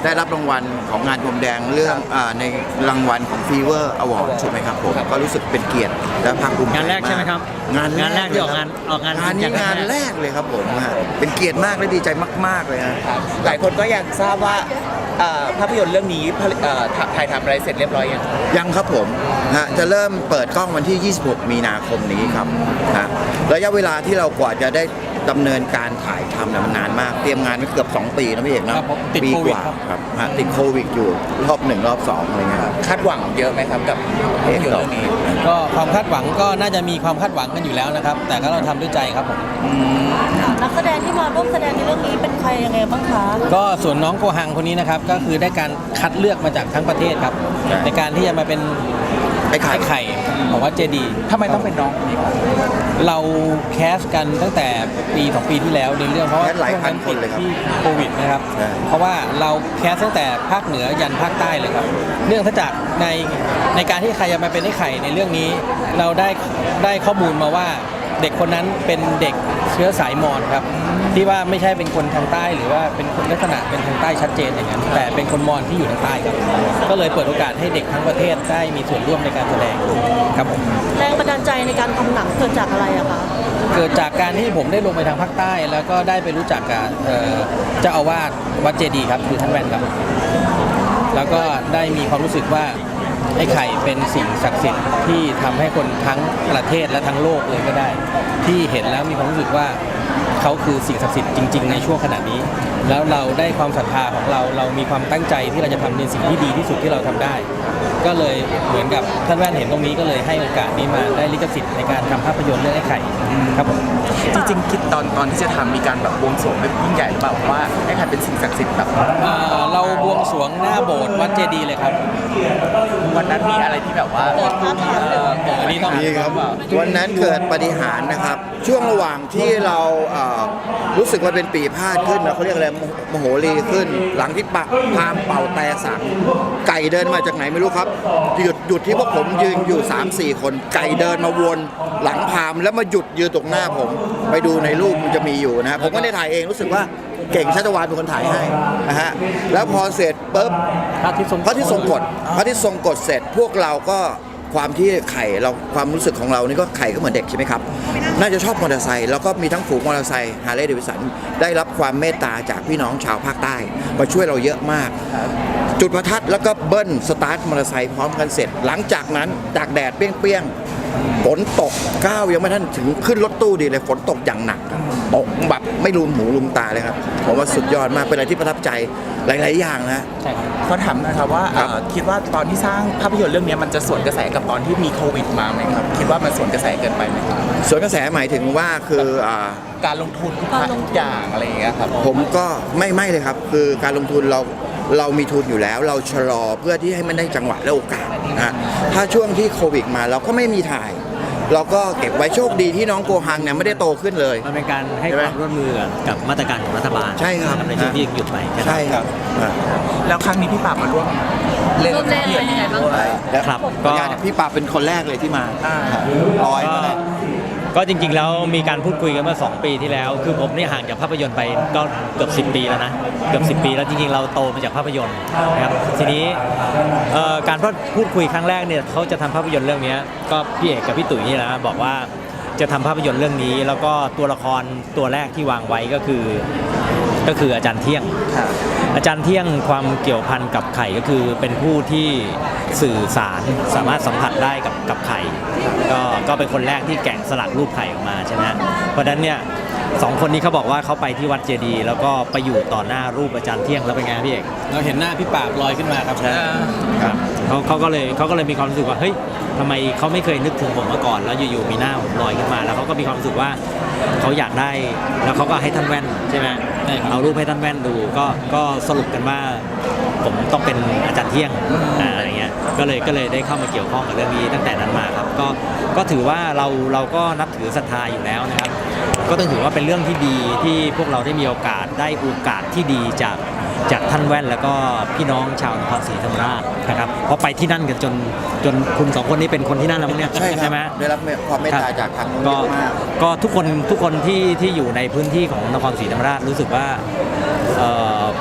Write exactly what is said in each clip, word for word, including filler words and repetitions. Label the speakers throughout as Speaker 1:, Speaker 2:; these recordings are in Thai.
Speaker 1: ได้รับรางวัลของงานพรมแดงเรื่องในรางวัลของ Fever Award ใช่ไหมครับผมก็รู้สึกเป็นเกียรติและภาคภูมิใจ
Speaker 2: งานแรกใช่ไหมครับ
Speaker 1: งาน
Speaker 2: งานแรกที่ออกงานออกงาน
Speaker 1: งานนี้งานแรกเลยครับผมฮะเป็นเกียรติมากและดีใจมากๆเลยฮะ
Speaker 3: หลายคนก็อยากทราบว่าภาพยนตร์เรื่องนี้ถ่ายทำอะไรเสร็จเรียบร้อยยัง
Speaker 1: ยังครับผมฮะจะเริ่มเปิดกล้องวันที่ ยี่สิบหก มีนาคมนี้ครับฮะระยะเวลาที่เรากว่าจะได้ดำเนินการถ่ายทำเนี่ยมันนานมากเตรียมงานมาเกือบสองปีนะพี่เอกนะปีกว่าครับติดโควิดอยู่รอบหนึ่งรอบสองอะไรเงี้ย
Speaker 3: คาดหวังเยอะไหมครับกับภาพยนตร์เรื่องนี้
Speaker 2: ก็ความคาดหวังก็น่าจะมีความคาดหวังกันอยู่แล้วนะครับแต่ก็เราทำด้วยใจครับผม
Speaker 4: นักแสดงที่มาร่วมแสดงในเรื่องนี้เป็นใครยังไงบ้างคะ
Speaker 2: ก็ส่วนน้องโกฮังคนนี้นะครับก็คือได้การคัดเลือกมาจากทั้งประเทศครับในการที่จะมาเป็น
Speaker 1: ไอ้ไข่
Speaker 2: ไข่ของวัดเจดีย์
Speaker 3: ทำไมต้องเป็นน้องคนนี้ครับ
Speaker 2: เราแคสกันตั้งแต่ปีสองปีที่แล้วในเรื่องเพราะว่า
Speaker 1: หลายพันคนเลยครับ
Speaker 2: ที่โควิดนะครับเพราะว่าเราแคสตั้งแต่ภาคเหนือยันภาคใต้เลยครับเนื่องจากในในการที่ใครจะมาเป็นไอ้ไข่ในเรื่องนี้เราได้ได้ข้อมูลมาว่าเด็กคนนั้นเป็นเด็กเชื้อสายมอญครับที่ว่าไม่ใช่เป็นคนทางใต้หรือว่าเป็นคนลักษณะเป็นทางใต้ชัดเจนอย่างนั้นแต่เป็นคนมอญที่อยู่ทางใต้ครับก็เลยเปิดโอกาสให้เด็กทั้งประเทศได้มีส่วนร่วมในการแสดงครับผม
Speaker 4: แรงบันดาลใจในการทำหนังเกิดจากอะไรอะคะ
Speaker 2: เกิดจากการที่ผมได้ลงไปทางภาคใต้แล้วก็ได้ไปรู้จักกับเจ้าอาวาสวัดเจดีย์ครับคือท่านแว่นครับแล้วก็ได้มีความรู้สึกว่าไอ้ไข่เป็นสิ่งศักดิ์สิทธิ์ที่ทำให้คนทั้งประเทศและทั้งโลกเลยก็ได้ที่เห็นแล้วมีความรู้สึกว่าเขาคือสิ่งศักดิ์สิทธิ์จริงๆในช่วงขณะนี้แล้วเราได้ความศรัทธาของเราเรามีความตั้งใจที่เราจะทำในสิ่งที่ดีที่สุดที่เราทำได้ก็เลยเหมือนกับท่านแว่นเห็นตรงนี้ก็เลยให้โอกาสนี้มาได้ลิขสิทธิ์ในการทำภาพยนตร์เรื่องไอ้ไข่ครับผม
Speaker 3: จริงๆคิดตอนตอนที่จะทำมีการแบบบวงสรวงแบบยิ่งใหญ่หรือเปล่าว่าไอ้ไข่เป็นสิ่งศักดิ์สิทธิ์แบบ
Speaker 2: เราบวงสรวงหน้าโบสถ์วัดเจดีย์เลยครับ
Speaker 3: วันนั้นมีอะไรที่แบบว่า
Speaker 4: เกิดพาถามเลย
Speaker 2: อันนี้ต้อง
Speaker 1: มีครับวันนั้นเกิดปาฏิหาริย์นะครับช่วงระหว่างที่เรารู้สึกว่าเป็นปีพาดขึ้นเขาเรียกอะไรมโหรีขึ้นหลังที่ปะพามเป่าแต่สังไก่เดินมาจากไหนไม่รู้ครับหยุดหยุดที่พวกผมยืนอยู่ สามสี่ คนไก่เดินมาวนหลังพามแล้วมาหยุดยืนตรงหน้าผมไปดูในรูปมันจะมีอยู่นะผมไม่ได้ถ่ายเองรู้สึกว่าเก่งชัชวาลเป็นคนถ่ายให้นะฮะแล้วพอเสร็จปุ๊บ
Speaker 2: พระที่ทรง
Speaker 1: พระที่ทรงกฎพระที่ทรงกฎเสร็จพวกเราก็ความที่ไข่เราความรู้สึกของเรานี่ก็ไข่ก็เหมือนเด็กใช่ไหมครับน่าจะชอบมอเตอร์ไซค์แล้วก็มีทั้งฝูงมอเตอร์ไซค์ฮาร์เลย์เดวิสันได้รับความเมตตาจากพี่น้องชาวภาคใต้มาช่วยเราเยอะมากจุดประทัดแล้วก็เบิ้ลสตาร์ทมอเตอร์ไซค์พร้อมกันเสร็จหลังจากนั้นตากแดดเปรี้ยงๆฝนตกก้าวยังไม่ทันถึงขึ้นรถตู้ดีเลยฝนตกอย่างหนักตกแบบไม่ลืมหูลืมตาเลยครับผมว่าสุดยอดมากเป็นอะไรที่ประทับใจหลายๆอย่างนะ
Speaker 3: ใช่ครับเขาถามนะครับว่าคิดว่าตอนที่สร้างภาพยนตร์เรื่องนี้มันจะสวนกระแสกับตอนที่มีโควิดมาไหมครับคิดว่ามันสวนกระแสเกินไปไหมครับ
Speaker 1: สวนกระแสหมายถึงว่าคือ
Speaker 3: การลงทุนทุกอย่างอะไรอย่างเงี้ยครับ
Speaker 1: ผมก็ไม่ไม่เลยครับคือการลงทุนเราเรามีทุนอยู่แล้วเราชะลอเพื่อที่ให้มันได้จังหวะและโอกาสนะถ้าช่วงที่โควิดมาเราก็ไม่มีถ่ายเราก็เก็บไว้โชคดีที่น้องโกฮังเนี่ยไม่ได้โตขึ้นเลย
Speaker 2: มันเป็นการให้ความร่วมมือกับมาตรการของรัฐบาล
Speaker 1: ใช่ครับ
Speaker 2: ในช่วงที่หยุดไป
Speaker 1: ใช่ครับ
Speaker 3: แล้วครั้งนี้พี่ปราบมาร่วม
Speaker 4: เล่นเป็นยังไงบ้าง
Speaker 2: ครับก็
Speaker 1: พี่ปราบเป็นคนแรกเลยที่มาลอยมา
Speaker 2: ก็จริงๆแล้วมีการพูดคุยกันเมื่อสองปีที่แล้วคือผมนี่ห่างจากภาพยนตร์ไปก็เกือบสิบปีแล้วนะเกือบสิบปีแล้วจริงๆเราโตมาจากภาพยนตร์นะครับทีนี้การพูดคุยครั้งแรกเนี่ยเขาจะทำภาพยนตร์เรื่องนี้ก็พี่เอกกับพี่ตุ๋ยนี่นะบอกว่าจะทำภาพยนตร์เรื่องนี้แล้วก็ตัวละครตัวแรกที่วางไว้ก็คือก็คืออาจารย์เที่ยงอาจารย์เที่ยงความเกี่ยวพันกับไข่ก็คือเป็นผู้ที่สื่อสารสามารถสัมผัสได้กับกับไข่ก็ก็เป็นคนแรกที่แกะสลักรูปไข่ออกมาใช่ไหมเพราะฉะนั้นเนี่ยสองคนนี้เขาบอกว่าเขาไปที่วัดเจดีย์แล้วก็ไปอยู่ต่อหน้ารูปอาจารย์เที่ยงแล้วเป็นไงพี่เอกเราเห็นหน้าพี่ปราบลอยขึ้นมาครับครับเขาเขาก็เลยเขาก็เลยมีความรู้สึกว่าเฮ้ยทำไมเขาไม่เคยนึกถึงผมมาก่อนแล้วอยู่ๆมีหน้าผมลอยขึ้นมาแล้วเขาก็มีความรู้สึกว่าเขาอยากได้แล้วเขาก็ให้ท่านแว่นใช่ไหมเอารูปให้ท่านแว่นดูก็ก็สรุปกันว่าผมต้องเป็นอาจารย์เที่ยงอะไรเงี้ยก็เลยก็เลยได้เข้ามาเกี่ยวข้องกับเรื่องนี้ตั้งแต่นั้นมาครับก็ก็ถือว่าเราเราก็นับถือศรัทธาอยู่แล้วนะครับก็ต้องถือว่าเป็นเรื่องที่ดีที่พวกเราได้มีโอกาสได้โอกาสที่ดีจากจากท่านแว่นแล้วก็พี่น้องชาวนครศรีธรรมราชนะครับเพราะไปที่นั่นกันจนจนคุณสองคนนี้เป็นคนที่นั่นแล้วมั้งเนี่ย
Speaker 1: ใช่ใช่ไหมได้รับความเมตตาจากทางนู้นเยอะมาก
Speaker 2: ก็ทุกคนทุกคนที่ที่อยู่ในพื้นที่ของนครศรีธรรมราชรู้สึกว่า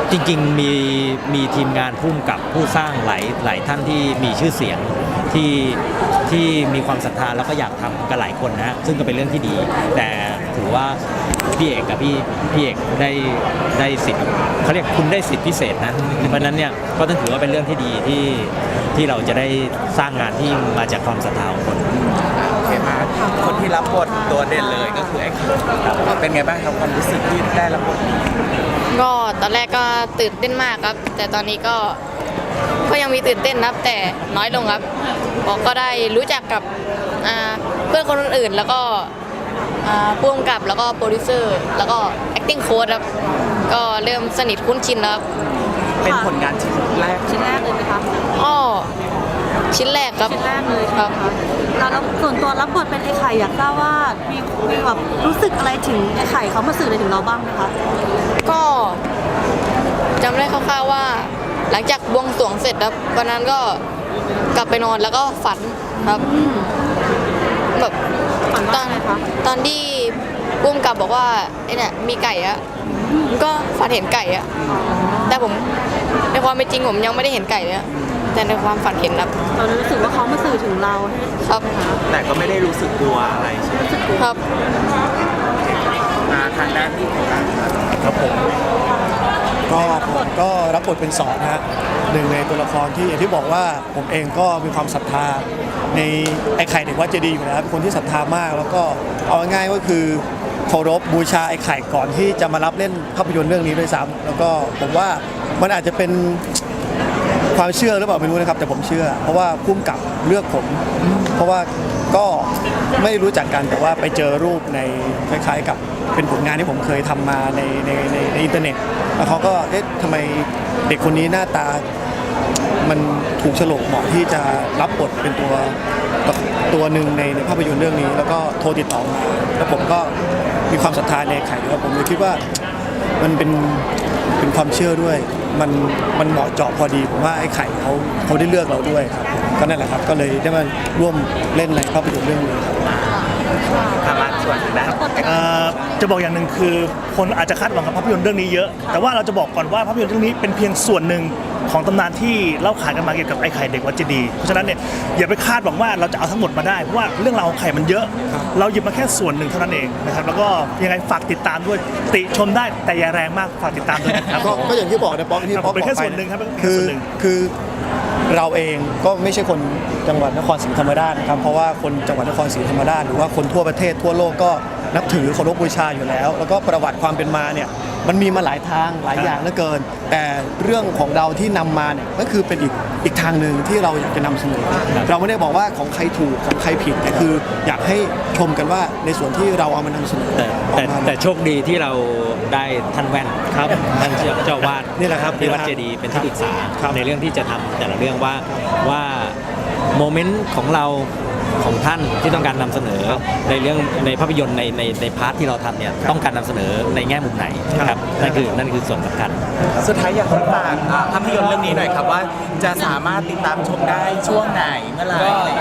Speaker 2: จริงๆมีมีทีมงานพุ่มกับผู้สร้างหลายหลายท่านที่มีชื่อเสียงที่ที่มีความศรัทธาแล้วก็อยากทำกันหลายคนนะฮะซึ่งก็เป็นเรื่องที่ดี แต่ถือว่าพี่เอกกับพี่พี่เอกได้ได้สิทธิ์เขาเรียกคุณได้สิทธิพิเศษนะเพราะฉะนั้นเนี่ยก็ต้องถือว่าเป็นเรื่องที่ดีที่ที่เราจะได้สร้างงานที่มาจากความศรัทธาของคน
Speaker 3: โอเคมาคนที่รับบทตัวเด่นเลยก็คือไอ้ครับเป็นไงบ้างครับความรู้สึกที่ได้รับบทนี้
Speaker 5: ก็ตอนแรกก็ตื่นเต้นมากครับ แต่ตอนนี้ก็ก็ยังมีตื่นเต้นครับแต่น้อยลงครับเพราะก็ได้รู้จักกับอ่าเพื่อนคนอื่นๆแล้วก็อ่าผู้กำกับแล้วก็โปรดิวเซอร์แล้วก็ acting coach ครับก็เริ่มสนิทคุ้นชินแล้วครับ
Speaker 3: เป็นผลงานชิ้นแรก
Speaker 4: ชิ้นแรกเลยไหมคะ
Speaker 5: อ้อชิ้นแรกครับ
Speaker 4: ชิ้นแรกเลย
Speaker 5: ครับ
Speaker 4: แล้วแล้วส่วนตัวรับบทเป็นไอ้ไข่อยากทราบว่ามีมีแบบรู้สึกอะไรถึงไอ้ไข่เขามาสื่ออะไรถึงเราบ้างไหมคะ
Speaker 5: ก็จำได้คร่าวๆว่า หลังจากบวงสรวงเสร็จครับวันนั้นก็กลับไปนอนแล้วก็ฝันครับแบบ
Speaker 4: ฝัน
Speaker 5: ต
Speaker 4: ว่า
Speaker 5: อน
Speaker 4: ไงคะ
Speaker 5: ตอนที่ปุ้มกับบอกว่าไอ้เนี่ยมีไก่อะผมก็ฝันเห็นไก่อะแต่ผมในความเป็นจริงผมยังไม่ได้เห็นไก่เลยอะแต่ในความฝันเห็นครับ
Speaker 4: เรารู้สึกว่าเขามาสื่อถึงเรา
Speaker 5: ครับ
Speaker 3: แต่ก็ไม่ได้รู้สึกกลัวอะไรใช่ไหม
Speaker 5: ครับ
Speaker 3: มาทางด้านที่ของการ
Speaker 6: ครับผมก็ผมก็รับบทเป็นสอนนะฮะหนึ่งในตัวละครที่อย่างที่บอกว่าผมเองก็มีความศรัทธาในไอ้ไข่เด็กวัดเจดีย์อยู่แล้วเป็นคนที่ศรัทธามาก แล้วก็เอาง่ายๆก็คือเคารพบูชาไอ้ไข่ก่อนที่จะมารับเล่นภาพยนตร์เรื่องนี้ด้วยซ้ำแล้วก็ผมว่ามันอาจจะเป็นความเชื่อหรือเปล่าไม่รู้นะครับแต่ผมเชื่อ เพราะว่าพุ่มกับเลือกผม เพราะว่าก็ไม่รู้จักกันแต่ว่าไปเจอรูปในคล้ายๆกับเป็นผลงานที่ผมเคยทำมาในในในในอินเทอร์เน็ต แล้วเขาก็เอ๊ะทำไมเด็กคนนี้หน้าตามันถูกโฉลกเหมาะที่จะรับบทเป็นตัวตัวหนึ่งในในภาพยนตร์เรื่องนี้ แล้วก็โทรติดต่อมาแล้วผมก็มีความศรัทธาในไข่แล้วผมเลยคิดว่ามันเป็นเป็นความเชื่อด้วย มันมันเหมาะเจาะพอดีผมว่าไอ้ไข่เขาเขาได้เลือกเราด้วยครับก็นั่นแหละครับก็เลยได้มาร่วมเล่นในภาพยนตร์เรื่องนี้ครับ
Speaker 3: ทางด้านส่วนทางด้าน
Speaker 6: เอ่อจะบอกอย่างหนึ่งคือคนอาจจะคาดหวังกับภาพยนตร์เรื่องนี้เยอะ แต่ว่าเราจะบอกก่อนว่าภาพยนตร์เรื่องนี้เป็นเพียงส่วนหนึ่งของตำนานที่เล่าขานกันมาเกี่ยวกับไอ้ไข่เด็กวัดเจดีย์เพราะฉะนั้นเนี่ยอย่าไปคาดหวังว่าเราจะเอาทั้งหมดมาได้เพราะว่าเรื่องราวของไข่มันเยอะ เราหยิบมาแค่ส่วนหนึ่งเท่านั้นเองนะครับแล้วก็ยังไงฝากติดตามด้วยติชมได้แต่อย่าแรงมากฝากติดตามด้วยนะครับ
Speaker 1: ก็ก็อย่างที่บอกนะป๊อกที่
Speaker 6: ครับ
Speaker 1: ป๊อก
Speaker 6: เป็น
Speaker 1: บอก
Speaker 6: แค่
Speaker 1: ไป
Speaker 6: ส่วนหนึ่งครับเป็นแค่
Speaker 1: คือ
Speaker 6: ส่วนหนึ่ง
Speaker 1: คือเราเองก็ไม่ใช่คนจังหวัดนครศรีธรรมราชนะครับเพราะว่าคนจังหวัดนครศรีธรรมราชหรือว่าคนทั่วประเทศทั่วโลกก็นับถือเคารพบูชาอยู่แล้ว แล้วก็ประวัติความเป็นมาเนี่ยมันมีมาหลายทางหลายอย่างเหลือเกิน แต่เรื่องของเราที่นำมาเนี่ยก็คือเป็นอีกอีกทางหนึ่งที่เราอยากจะนำเสนอ เราไม่ได้บอกว่าของใครถูกของใครผิดแต่คืออยากให้ชมกันว่าในส่วนที่เราเอามานำเสนอ
Speaker 2: แต่
Speaker 1: ออก
Speaker 2: แต่
Speaker 1: มา
Speaker 2: แต่โชคดีที่เราได้ท่านแว่นครับท่านเจ้าเจ้าวาด
Speaker 6: นี่แหละครับ
Speaker 2: ที่วัดเจดีย์เป็นที่ปรึกษา
Speaker 6: ครับ
Speaker 2: ในเรื่องที่จะทำแต่ละเรื่องว่าว่าโมเมนต์ของเราของท่านที่ต้องการนำเสนอในเรื่องในภาพยนตร์ในในในพาร์ทที่เราทำเนี่ยต้องการนำเสนอในแง่มุมไหนครับนั่นคือนั่นคือส่วนสำคัญ
Speaker 3: สุดท้ายอยากฝากอ่าภาพยนตร์เรื่องนี้หน่อยครับว่าจะสามารถติดตามชมได้ช่วงไหนเมื่อไหร่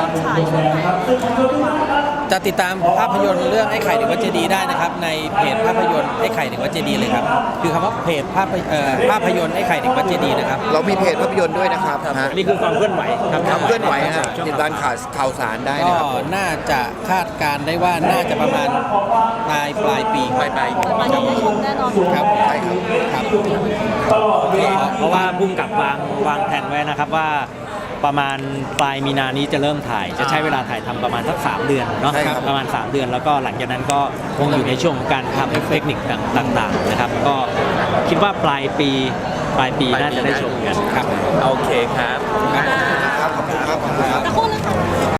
Speaker 7: จะติดตามภาพยนตร์เรื่องไอ้ไข่เด็กวัดเจดีย์ได้นะครับในเพจภาพยนตร์ไอ้ไข่เด็กวัดเจดีย์เลยครับคือคำว่าเพจภาพเอ่อภาพยนตร์ไอ้ไข่เด็กวัดเจดีย์นะครับ
Speaker 1: เรามีเพจภาพยนตร์ด้วยนะครับฮะ
Speaker 2: นี่คือความเคลื่อนไหวครับ
Speaker 1: ความเคลื่อนไหวฮะติดตามข่าวข่าวสารได้
Speaker 7: ก็
Speaker 1: นะครับ
Speaker 7: น่าจะคาดการณ์ได้ว่าน่าจะประมาณปลายปลายปี
Speaker 3: ปลายปลาย
Speaker 4: มันจะได้ชมแน่นอน
Speaker 7: ครับ
Speaker 1: ใช่ครับ
Speaker 7: ครับ
Speaker 2: เพราะว่าพุ่มกับวางวางแผนไว้นะครับว่าประมาณปลายมีนานี้จะเริ่มถ่าย จะใช้เวลาถ่ายทำประมาณสักสามเดือนเนาะ
Speaker 1: ใช่ครับ
Speaker 2: ประมาณสามเดือนแล้วก็หลังจากนั้นก็คงอยู่ในช่วงของการทำเทคนิคต่างๆนะครับ ก็คิดว่าปลายปีปลายปีน่าจะได้ชมกันครับ
Speaker 3: โอเคครับ
Speaker 1: ครับขอบคุณครับขอบคุณครับ